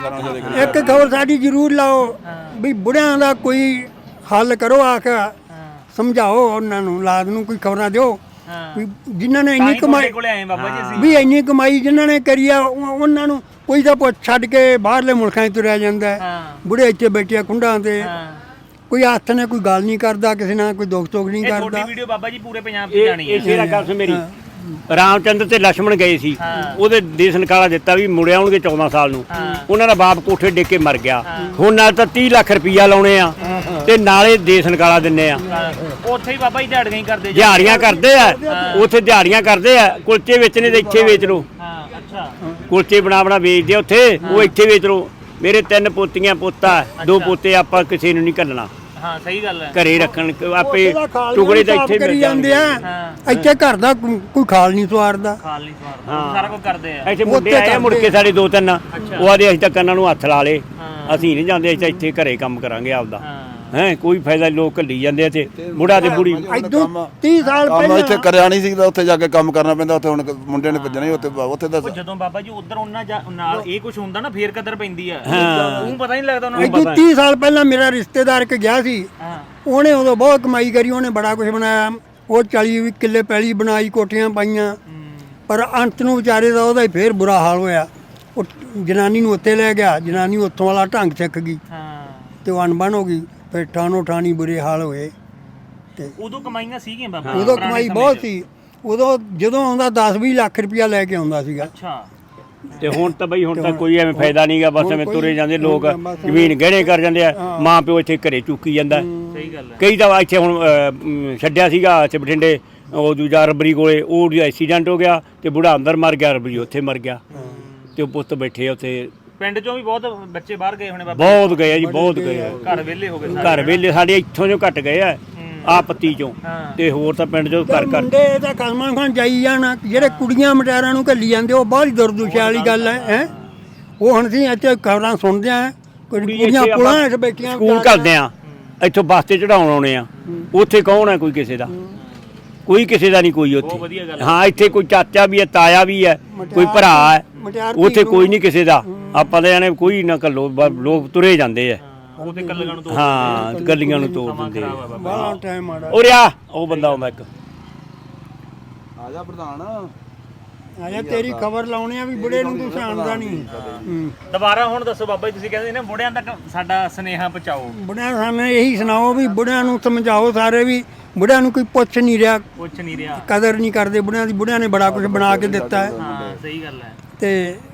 ਇੱਕ ਖਬਰ ਸਾਡੀ ਜ਼ਰੂਰ ਲਾਓ ਵੀ ਬੁੜਿਆਂ ਦਾ ਕੋਈ ਹੱਲ ਕਰੋ, ਆ ਕੇ ਸਮਝਾਓ ਉਹਨਾਂ ਨੂੰ, ਲਾਦ ਨੂੰ ਕੋਈ ਖਬਰਾਂ ਦਿਓ ਵੀ ਜਿਨ੍ਹਾਂ ਨੇ ਇੰਨੀ ਕਮਾਈ ਵੀ ਇੰਨੀ ਕਮਾਈ ਜਿਨ੍ਹਾਂ ਨੇ ਕਰੀ ਆ ਉਹਨਾਂ ਨੂੰ ਕੋਈ ਤਾਂ ਪੁੱਛ ਛੱਡ ਕੇ ਬਾਹਰਲੇ ਮੁਲਕਾਂ 'ਚ ਤੁਰਿਆ ਜਾਂਦਾ। ਬੁੜੇ ਇੱਥੇ ਬੈਠੇ ਕੁੰਡਾਂ ਤੇ, ਕੋਈ ਹੱਥ ਨੇ ਕੋਈ ਗੱਲ ਨਹੀਂ ਕਰਦਾ ਕਿਸੇ ਨਾਲ, ਕੋਈ ਦੁੱਖ ਤੋਖ ਨਹੀਂ ਕਰਦਾ। ਤੁਹਾਡੀ ਵੀਡੀਓ ਬਾਬਾ ਜੀ ਪੂਰੇ ਪੰਜਾਬ 'ਚ ਜਾਣੀ ਹੈ। ਇਸੇ ਦਾ ਗੱਲ ਮੇਰੀ ਰਾਮਚੰਦਰ ਤੇ ਲక్ష్మణ ਗਏ ਸੀ, ਉਹਦੇ ਦੇਸ਼ ਨਿਕਾਲਾ ਦਿੱਤਾ ਵੀ ਮੁੜ ਆਉਣਗੇ 14 ਸਾਲ ਨੂੰ। ਉਹਨਾਂ ਦਾ ਬਾਪ ਕੋਠੇ ਡਿੱਗ ਕੇ ਮਰ ਗਿਆ। ਹੁਣ ਨਾਲ ਤਾਂ 30 ਲੱਖ ਰੁਪਈਆ ਲਾਉਣੇ ਆ ਤੇ ਨਾਲੇ ਦੇਸ਼ ਨਿਕਾਲਾ ਦਿੰਨੇ ਆ। ਉੱਥੇ ਹੀ ਬਾਬਾ ਜੀ ਦਿਹਾੜੀਆਂ ਹੀ ਕਰਦੇ, ਦਿਹਾੜੀਆਂ ਕਰਦੇ ਆ ਉੱਥੇ, ਦਿਹਾੜੀਆਂ ਕਰਦੇ ਆ। ਕੁਲਚੇ ਵੇਚਣੇ ਤੇ ਇੱਥੇ ਵੇਚ ਲਓ, ਕੁਲਚੇ ਬਣਾ ਵੇਚਦੇ ਉੱਥੇ, ਉਹ ਇੱਥੇ ਵੇਚ ਲਓ। ਮੇਰੇ 3 ਪੋਤੀਆਂ ਪੋਤਾ, 2 ਪੋਤੇ, ਆਪਾਂ ਕਿਸੇ ਨੂੰ ਨਹੀਂ ਘੱਲਣਾ। ਹਾਂ ਸਹੀ ਗੱਲ ਹੈ, ਘਰੇ ਰੱਖਣ ਆਪੇ ਟੁਕੜੇ ਤਾਂ ਇੱਥੇ ਕਰੀ ਜਾਂਦੇ ਆ। ਇੱਥੇ ਘਰ ਦਾ ਕੋਈ ਖਾਲ ਨਹੀਂ ਸਵਾਰਦਾ, ਸਾਰਾ ਕੁਝ ਕਰਦੇ ਆ। ਇੱਥੇ ਮੁੰਡੇ ਆਏ ਮੁੜ ਕੇ ਸਾਡੇ 2-3, ਉਹ ਆਦੇ ਅਸੀਂ ਤਾਂ ਕੰਨਾਂ ਨੂੰ ਹੱਥ ਲਾ ਲੇ, ਅਸੀਂ ਨਹੀਂ ਜਾਂਦੇ, ਅਸੀਂ ਤਾਂ ਇੱਥੇ ਘਰੇ ਕੰਮ ਕਰਾਂਗੇ ਆਪਦਾ। ਹੈ ਕੋਈ ਫਾਇਦਾ, ਲੋਕ ਘੱਲੀ ਜਾਂਦੇ ਤੇ ਬੁੜਾ ਤੇ ਬੁੜੀ। 30 ਸਾਲ ਪਹਿਲਾਂ ਇੱਥੇ ਕਰਿਆ ਨਹੀਂ ਸੀ, ਉੱਥੇ ਜਾ ਕੇ ਕੰਮ ਕਰਨਾ ਪੈਂਦਾ। ਉੱਥੇ ਹੁਣ ਮੁੰਡੇ ਨੇ ਭੱਜਣਾ ਹੀ ਉੱਥੇ ਦਾ। ਜਦੋਂ ਬਾਬਾ ਜੀ ਉਧਰ ਉਹਨਾਂ ਨਾਲ ਇਹ ਕੁਝ ਹੁੰਦਾ ਨਾ, ਫੇਰ ਕਦਰ ਪੈਂਦੀ ਆ। ਉਹ ਪਤਾ ਨਹੀਂ ਲੱਗਦਾ ਉਹਨਾਂ ਨੂੰ। 30 ਸਾਲ ਪਹਿਲਾਂ ਮੇਰਾ ਰਿਸ਼ਤੇਦਾਰ ਇੱਕ ਗਿਆ ਸੀ, ਉਹਨੇ ਉਦੋਂ ਬਹੁਤ ਕਮਾਈ ਕਰੀ, ਉਹਨੇ ਬੜਾ ਕੁਝ ਬਣਾਇਆ। ਉਹ 40 ਕਿੱਲੇ ਪੈਲੀ ਬਣਾਈ, ਕੋਠੀਆਂ ਪਾਈਆਂ, ਪਰ ਅੰਤ ਨੂੰ ਵਿਚਾਰੇ ਦਾ ਉਹਦਾ ਹੀ ਫੇਰ ਬੁਰਾ ਹਾਲ ਹੋਇਆ। ਉਹ ਜਨਾਨੀ ਨੂੰ ਉੱਥੇ ਲੈ ਗਿਆ, ਜਨਾਨੀ ਉੱਥੋਂ ਵਾਲਾ ਢੰਗ ਸਿੱਖ ਗਈ ਤੇ ਉਹ ਅਣਬਣ ਹੋ ਗਈ। ਫਿਰ ਠਾਣੋ ਠਾਣੀ ਬੁਰੇ ਹਾਲ ਹੋਏ। ਤੇ ਉਦੋਂ ਕਮਾਈਆਂ ਸੀਗੀਆਂ ਬਾਬਾ, ਉਦੋਂ ਕਮਾਈ ਬਹੁਤ ਸੀ। ਉਦੋਂ ਜਦੋਂ ਆਉਂਦਾ 10-20 ਲੱਖ ਰੁਪਇਆ ਲੈ ਕੇ ਆਉਂਦਾ ਸੀਗਾ। ਤੇ ਹੁਣ ਤਾਂ ਬਈ ਹੁਣ ਤਾਂ ਕੋਈ ਐਵੇਂ ਫਾਇਦਾ ਨਹੀਂਗਾ, ਬਸ ਐਵੇਂ ਤੁਰੇ ਜਾਂਦੇ ਲੋਕ, ਜ਼ਮੀਨ ਗਹਿਣੇ ਕਰ ਜਾਂਦੇ ਆ। ਮਾਂ ਪਿਓ ਇੱਥੇ ਘਰੇ ਚੁੱਕੀ ਜਾਂਦਾ। ਸਹੀ ਗੱਲ ਹੈ। ਕਈ ਤਾਂ ਇੱਥੇ ਹੁਣ ਛੱਡਿਆ ਸੀਗਾ ਇੱਥੇ ਬਠਿੰਡੇ, ਉਹ ਦੂਜਾ ਰਬਰੀ ਕੋਲੇ, ਉਹ ਐਕਸੀਡੈਂਟ ਹੋ ਗਿਆ ਤੇ ਬੁੜਾ ਅੰਦਰ ਮਰ ਗਿਆ, ਰਬਰੀ ਉੱਥੇ ਮਰ ਗਿਆ ਤੇ ਉਹ ਪੁੱਤ ਬੈਠੇ ਉੱਥੇ। ਪਿੰਡ ਚੋਂ ਵੀ ਬਹੁਤ ਬੱਚੇ ਬਾਹਰ ਗਏ ਹੋਣੇ ਬਾਬਾ? ਬਹੁਤ ਗਏ ਆ ਜੀ, ਬਹੁਤ ਗਏ ਆ। ਘਰ ਵਿਹਲੇ ਹੋ ਗਏ, ਘਰ ਵਿਹਲੇ ਸਾਡੇ ਇੱਥੋਂ ਜੋ ਘੱਟ ਗਏ ਆ ਪੱਤੀ ਚੋਂ, ਤੇ ਹੋਰ ਤਾਂ ਪਿੰਡ ਚੋਂ ਘਰ ਘਰ। ਮੁੰਡੇ ਤਾਂ ਕਲਮਾਂ ਖਾਨ ਜਾਈ ਜਾਣ, ਜਿਹੜੇ ਕੁੜੀਆਂ ਮਟਿਆਰਾਂ ਨੂੰ ਘੱਲੀ ਜਾਂਦੇ, ਉਹ ਬਹੁਤ ਹੀ ਦੁਰਦੁਸ਼ਾ ਵਾਲੀ ਗੱਲ ਹੈ। ਉਹ ਹੁਣ ਅਸੀਂ ਇੱਥੇ ਖਬਰਾਂ ਸੁਣਦੇ ਆ, ਕੁੜੀਆਂ ਪੁਲਾਂ 'ਚ ਬੈਠੀਆਂ, ਸਕੂਲ ਕਰਦੇ ਆ, ਇੱਥੋਂ ਬੱਸ ਤੇ ਚੜਾਉਣ ਆਉਣੇ ਆ। ਉੱਥੇ ਕੌਣ ਹੈ ਕੋਈ ਕਿਸੇ ਦਾ? ਕੋਈ ਕਿਸੇ ਦਾ ਨਹੀਂ ਕੋਈ ਉੱਥੇ। ਹਾਂ ਇੱਥੇ ਕੋਈ ਚਾਚਾ ਵੀ ਹੈ, ਤਾਇਆ ਵੀ ਹੈ, ਕੋਈ ਭਰਾ ਹੈ, ਉੱਥੇ ਕੋਈ ਨਹੀਂ ਕਿਸੇ ਦਾ। ਆਪਾਂ ਤਾਂ ਜਾਣੇ ਕੋਈ ਨਾ ਘੱਲੋ, ਲੋਕ ਤੁਰੇ ਜਾਂਦੇ ਆ। ਹਾਂ ਗੱਲੀਆਂ ਨੂੰ ਤੋੜ ਦਿੰਦੇ ਆ। ਉਰੇ ਆ, ਉਹ ਬੰਦਾ ਆਉਂਦਾ ਇੱਕ। ਆ ਜਾ ਪ੍ਰਧਾਨ, ਆ ਜਾ ਤੇਰੀ ਖਬਰ ਲਾਉਣੀ ਆ ਵੀ ਬੁੜੇ ਨੂੰ ਤੂੰ ਸਿਆਣਦਾ ਨਹੀਂ। ਦੁਬਾਰਾ ਹੁਣ ਦੱਸੋ ਬਾਬਾ ਜੀ, ਤੁਸੀਂ ਕਹਿੰਦੇ ਨੇ ਬੁੜਿਆਂ ਤੱਕ ਸਾਡਾ ਸੁਨੇਹਾ ਪਹੁੰਚਾਓ। ਬੁੜਿਆਂ ਸਾਨੂੰ ਇਹੀ ਸੁਣਾਓ ਵੀ ਬੁੜਿਆਂ ਨੂੰ ਸਮਝਾਓ ਸਾਰੇ ਵੀ ਬੁੜਿਆਂ ਨੂੰ ਕੋਈ ਪੁੱਛ ਨਹੀਂ ਰਿਹਾ, ਕੁਛ ਨਹੀਂ ਰਿਹਾ, ਕਦਰ ਨਹੀਂ ਕਰਦੇ ਬੁੜਿਆਂ ਦੀ। ਬੁੜਿਆਂ ਨੇ ਬੜਾ ਕੁਝ ਬਣਾ ਕੇ ਦਿੱਤਾ ਹੈ। ਹਾਂ ਸਹੀ ਗੱਲ ਹੈ। ਤੇ